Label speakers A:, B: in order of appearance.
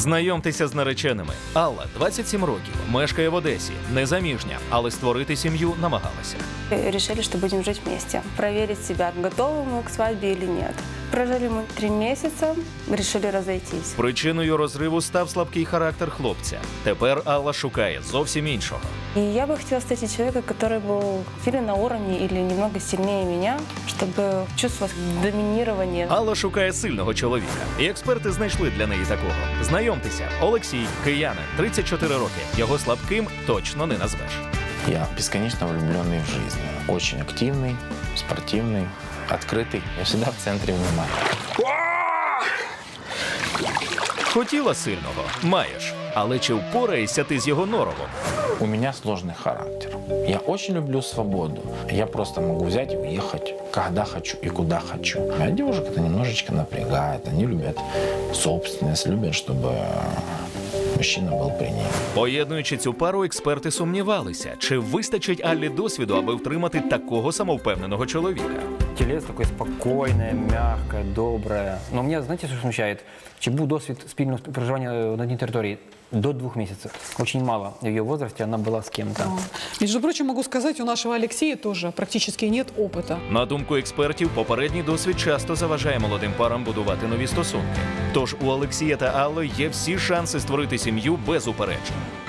A: Знайомтеся з нареченими. Алла, 27 років, мешкає в Одесі, незаміжня, але створити сім'ю намагалася.
B: Решили, что будем жить вместе. Проверить себя, готовы мы к свадьбе или нет. Прожили мы 3 месяца, решили разойтись.
A: Причиною розриву став слабкий характер хлопця. Тепер Алла шукає зовсім іншого.
B: И я бы хотела встретить человека, который был или на уровне, или немного сильнее меня, чтобы чувствовать доминирование.
A: Алла шукає сильного чоловіка. І експерти знайшли для неї такого. Знайомтеся, Олексій, киянин, 34 роки. Його слабким точно не назвеш.
C: Я бесконечно влюбленный в жизнь. Очень активный, спортивный, открытый. Я всегда в центре внимания.
A: Хотіла сильного? Маєш. Але чи впораєшся ти з його норовом?
C: У меня сложный характер. Я очень люблю свободу. Я просто могу взять и уехать, когда хочу и куда хочу. А девушек это немножечко напрягает. Они любят собственность, любят, чтобы мужчина был при ней.
A: Поєднуючи цю пару, експерти сумнівалися, чи вистачить Аллі досвіду, аби втримати такого самовпевненого чоловіка.
D: Телец такое спокойное, мягкое, доброе. Но меня, знаете, что смущает? Чи був досвід спільного проживання на одній території до 2 месяцев. Очень мало. В ее возрасте она была с кем-то.
E: Между прочим, могу сказать, у нашего Алексея тоже практически нет опыта.
A: На думку експертів, попередній досвід часто заважає молодим парам будувати нові стосунки. Тож у Олексія та Алли є всі шанси створити сім'ю без упереджень.